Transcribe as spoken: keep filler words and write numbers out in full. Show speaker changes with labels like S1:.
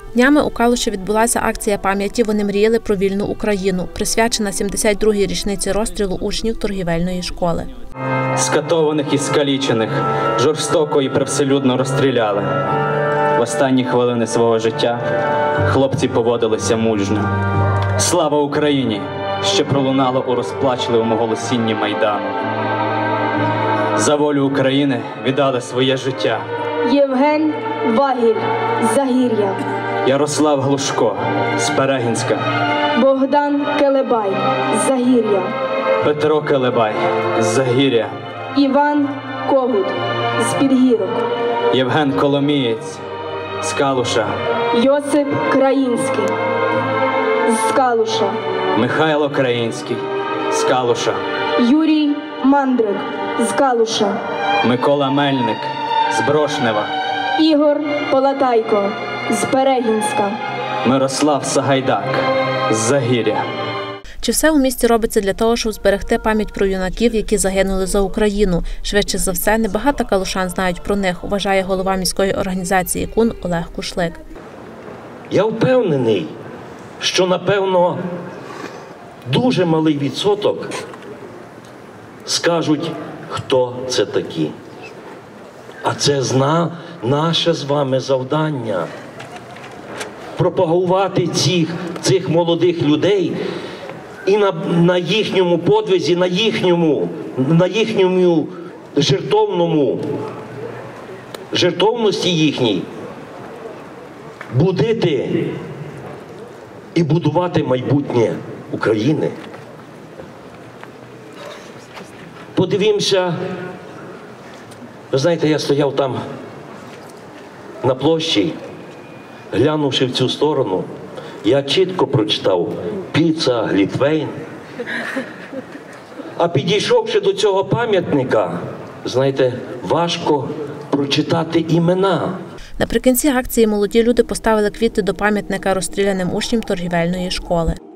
S1: Днями у Калуші відбулася акція пам'яті «Вони мріяли про вільну Україну», присвячена сімдесят другій річниці розстрілу учнів торгівельної школи.
S2: Скатованих і скалічених жорстоко і привселюдно розстріляли. В останні хвилини свого життя хлопці поводилися мужньо. Слава Україні, що пролунало у розплачливому голосінні Майдану. За волю України віддали своє життя
S3: Євген Вагіль з Загір'я,
S2: Ярослав Глушко з Перегінська,
S3: Богдан Келебай з Загір'я,
S2: Петро Келебай з Загір'я,
S3: Іван Когут з Підгірок,
S2: Євген Коломієць з Калуша,
S3: Йосип Країнський з Калуша,
S2: Михайло Країнський з Калуша,
S3: Юрій Мандрик з Калуша,
S2: Микола Мельник з Брошнева,
S3: Ігор Полатайко з Перегінська,
S2: Мирослав Сагайдак з Загір'я.
S1: Чи все у місті робиться для того, щоб зберегти пам'ять про юнаків, які загинули за Україну? Швидше за все, небагато калушан знають про них, вважає голова міської організації КУН Олег Кушлик.
S4: Я впевнений, що, напевно, дуже малий відсоток скажуть, хто це такі. А це зна наше з вами завдання – пропагувати цих, цих молодих людей і на, на їхньому подвизі, на їхньому, на їхньому жертовному, жертовності їхній будити і будувати майбутнє України. Подивімося, ви знаєте, я стояв там на площі, глянувши в цю сторону, я чітко прочитав Піца, Глітвейн. А підійшовши до цього пам'ятника, знаєте, важко прочитати імена.
S1: Наприкінці акції молоді люди поставили квіти до пам'ятника розстріляним учням торгівельної школи.